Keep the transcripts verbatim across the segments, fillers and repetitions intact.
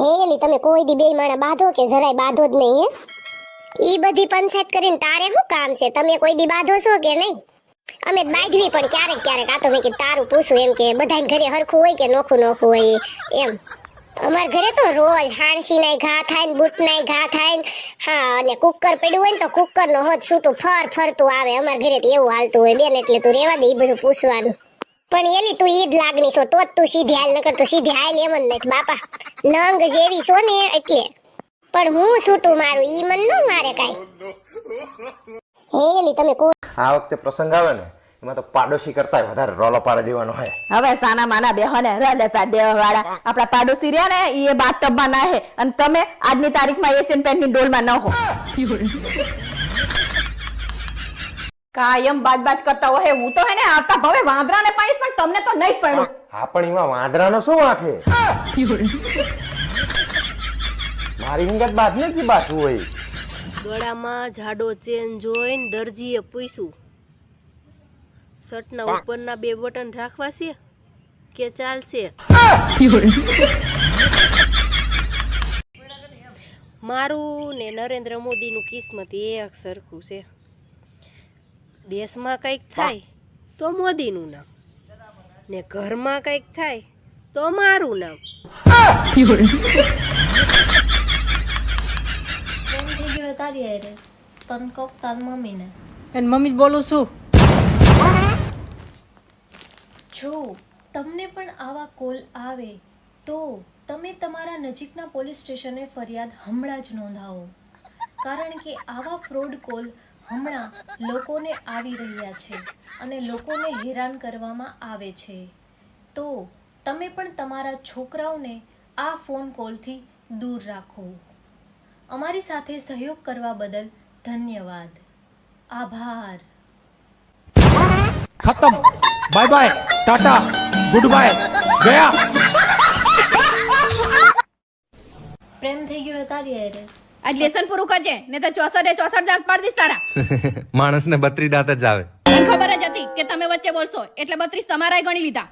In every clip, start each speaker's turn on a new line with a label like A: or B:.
A: હેલી તમે કોઈ દી બે માણા બાંધો કે જરાય બાંધો જ નહીં હે ઈ બધી પંચાયત કરીને તારે શું કામ છે? તમે કોઈ દી બાંધો છો કે નહીં? અમે બાંધવી પણ ક્યારેક ક્યારેક. આ તો મેં કે તારું પૂછું એમ કે બધાને ઘરે હરખું હોય કે નોખું નોખું હોય એમ. અમાર ઘરે તો રોજ હાણસી નાય ઘા થાય ને બૂટ નાય ઘા થાય ને હા અને કુકર પડ્યું હોય ને તો કુકર નો હોત છૂટું ફર ફરતું આવે. અમાર ઘરે તો એવું હાલતું હોય બેન, એટલે તું રેવા દે ઈ બધું પૂછવાનું. પણ એલી તું ઈ જ લાગણી છો તો જ તું સીધી હાલ, નકર તો સીધી હાલ એમ જ નથી બાપા. નંગ જેવી છો ને એટલે. પણ હું છૂટું મારું ઈ મન ન મારે કાઈ. હેલી તમે કો
B: આ વખતે પ્રસંગ આવે ને એમાં તો પાડોશી કરતા વધારે રોલો પાડી દેવાનો હોય.
C: હવે સાના માના બેહોને રડતા દેવા વાળા આપણા પાડોશી રહ્યા ને ઈ બાથટબ માં ના હે અને તમે આજની તારીખમાં એશિયન પેન્ટ ની ડોલમાં ન હો. કાયમ બાજ-બાજ કરતા હોય. હું તો હે ને આતા ભવે વાંદરાને પાડીશ પણ તમને તો નહીં જ પડ્યું.
B: હા પણ એમાં વાંદરાનો શું વાંક હે? મારી નિગત બાદ ને જી બાજુ હોય.
D: ગળામાં જાડો ચેન જોઈને દરજીએ પૂછ્યું, શર્ટના ઉપરના બે બટન રાખવા છે કે ચાલશે? મારું ને નરેન્દ્ર મોદીનું કિસ્મત એક સરખું છે. દેશમાં કંઈક થાય તો મોદીનું નામ, ને ઘરમાં કંઈક થાય તો મારું નામ.
E: તારી હારે તન કોક તાર મમ્મીને
F: એન મમ્મી જ બોલું છું.
E: જો તમને પણ આવા કોલ આવે તો તમે તમારા નજીકના પોલીસ સ્ટેશને ફરિયાદ હમણાં જ નોંધાવો, કારણ કે આવા ફ્રોડ કોલ હમણાં લોકોને આવી રહ્યા છે અને લોકોને હેરાન કરવામાં આવે છે. તો તમે પણ તમારા છોકરાઓને આ ફોન કોલથી દૂર રાખો. અમારી સાથે સહયોગ કરવા બદલ ધન્યવાદ. આભાર.
G: खत्म. Bye bye, tata, good bye, गया.
E: પ્રેમ થઈ ગયો તારી હારે?
C: આજ લેસન પૂરું કરજે ને તો ચોસઠે ચોસઠ દાંત પાડી દઈશ તારા.
B: માણસને બત્રી દાંત જ આવે.
C: મને ખબર જ હતી કે તમે વચ્ચે બોલશો એટલે બત્રીસ તમારાય ગણી લીધા.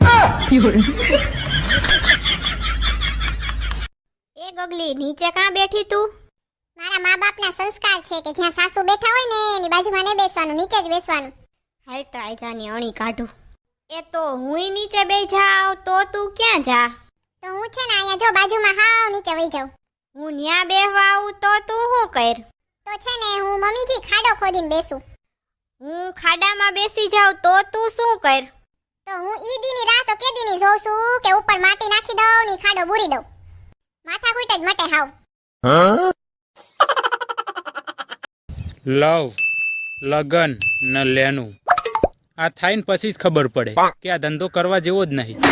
A: એ ગગલી નીચે કાં બેઠી તું? મારા મા બાપના સંસ્કાર છે કે જ્યાં સાસુ બેઠા હોય ને એની બાજુમાં નહીં બેસવાનું, નીચે જ બેસવાનું. હાલ તો આજાની અણી કાઢું.
H: એ તો હુંય નીચે બેહી જાવ તો તું ક્યાં જા?
A: તો હું છે ને અહીંયા જો બાજુમાં હાવ નીચે વઈ જાઉં.
H: હું ન્યા બેહવા આવું તો તું શું કર?
A: તો છે ને હું મમ્મીજી ખાડો ખોદીને બેસું.
H: હું ખાડામાં બેસી જાઉં તો તું શું કર?
A: તો હું ઈ દીની રાહ તો કેદીની જોઉં છું કે ઉપર માટી નાખી દઉં ને ઈ ખાડો બુરી દઉં. માથા કૂટ જ મટે હાવ.
I: લવ લગન ન લેનું આ થાય ને પછી જ ખબર પડે કે આ ધંધો કરવા જેવો જ નહીં.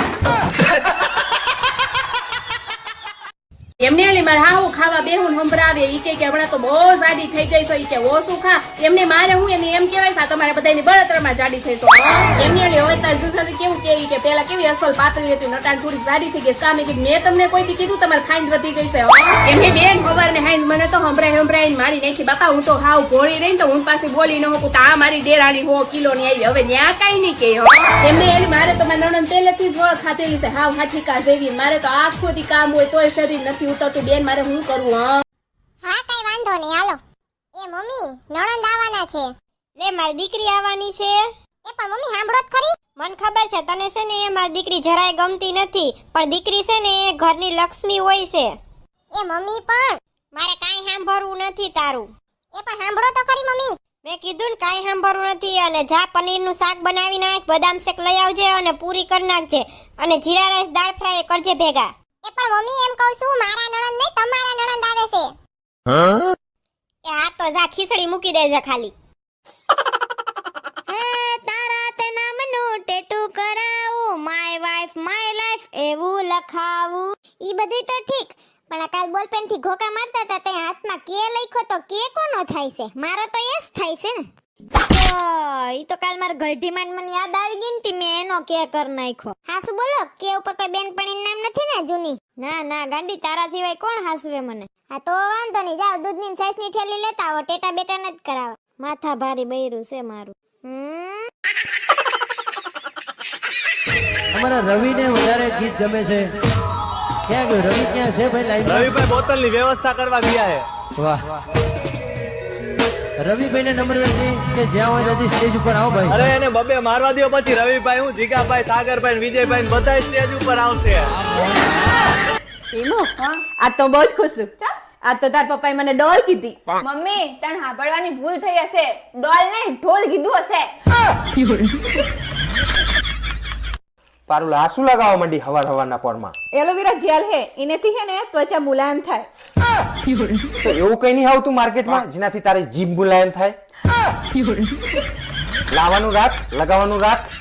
D: એમને એલી મારે હાહુ ખાવા બેહુન હંભરાવે ઈ કે કે હમણાં તો બહુ જાડી થઈ ગઈ છો ઈ કે ઓછું ખા. એમને મારે હું એને એમ કહેવાય છે તમારે બધાની બળતરમાં જાડી થઈ છો. એમને એલી હવે તાર જુસાજી કેવું કે ઈ કે પેલા કેવી અસલ પાતળી હતી નટાણ થોડી જાડી થઈ ગઈ છે. કામે કે મેં તમને કોઈ દી કીધું તમારે ખાઈન વધી ગઈ છે? એમને બેન ખબર ને હાઈન મને તો હંભરાઈ હંભરાઈને મારી નાખી. બાપા હું તો હાવ ભોળી રહી ને તો હું પાછી બોલી ન હોકું તો આ મારી દેરાણી હો કિલો ની આવી. હવે ન્યા કાઈ નહીં કે એમને એલી મારે તો મારી નણંદ પહેલેથી જ વળ ખાધેલી છે હાવ હાઠીકા જેવી. મારે તો આખો દી કામ હોય તોય શરીર નથી ઉતરતું. બેન મારે હું કરવું? હા
A: હા કઈ વાંધો નહીં હાલો. એ મમ્મી નણંદ આવવાના છે.
H: લે મારી દીકરી આવવાની છે.
A: એ પણ મમ્મી સાંભળો જ ખરી.
H: મને ખબર છે તને છે ને એ મારી દીકરી જરાય ગમતી નથી, પણ દીકરી છે ને એ ઘરની લક્ષ્મી હોય છે.
A: એ મમ્મી પણ
H: મારે કાઈ સાંભળવું નથી તારું.
A: એ પણ સાંભળો તો ખરી મમ્મી.
H: મેં કીધું ને કાઈ સાંભળવું નથી. અને જા પનીરનું શાક બનાવી નાખ, બદામ શેક લઈ આવજે અને પૂરી કરી નાખજે અને જીરા રાઈસ દાળ ફ્રાય કરજે ભેગા.
A: એ પણ મમ્મી એમ કહું છું મારા નણંદ નહીં તમારા નણંદ આવે છે.
H: એ હા તો જા ખીચડી મૂકી દેજે ખાલી.
A: હે તારા તે નામનું ટેટુ કરાવું, માય વાઇફ માય લાઈફ એવું લખાવું. ઈ બધું તો ઠીક, પણ આ કાલ બોલપેન થી ઘોકા મારતા હતા તે હાથમાં કે લખ્યો તો કે કોનો થાય છે? મારો તો એ જ થાય છે ને. તો ઈ તો કાલ માર ગઢી માં મને યાદ આવી ગઈ ને તી મેં એનો કે કર નાખ્યો. હાસુ બોલો કે ઉપર કોઈ બેનપણીનું નામ નથી ને જૂની? ના ના ગાંડી તારા સિવાય કોણ હાસવે મને? હા તો વાંધો નહીં, જાવ દૂધની સાઈસની થેલી લેતા આવો, ટેટા બેટા નથી કરાવવા. માથા ભારી બૈરું છે મારું. હમ
J: અમારા રવિને વધારે ગીત ગમે છે
F: ક્યાં ગયો રવિ? ક્યાં છે ભાઈ? લાઈવ રવિભાઈ બોતલ ની વ્યવસ્થા કરવા ગયા છે. વાહ, રવિભાઈ ને નંબર વેચી કે જ્યાં હોય ત્યાંથી સ્ટેજ ઉપર આવો ભાઈ. અરે એને બબે મારવા દો પછી રવિભાઈ, હું જીગાભાઈ, સાગરભાઈ, વિજયભાઈ બધા સ્ટેજ ઉપર આવશે.
C: ઈમુ, આ તો બહુ જ ખુશ છું. આ તો તાર પપ્પાએ મને ડોલ કીધી.
D: મમ્મી તને સાંભળવાની ભૂલ થઈ હશે, ડોલ નહીં ઢોલ કીધું હશે.
B: પારુલ આ શું લગાવવા માંડી હવાર હવારના પોરમાં?
C: એલોવેરા જેલ હે, એનેથી હે ને ત્વચા મુલાયમ થાય.
B: તો એવું કઈ નહીં આવતું માર્કેટમાં જેનાથી તારી જીભ મુલાયમ થાય? લાવવાનું રાખ, લગાવવાનું રાખ.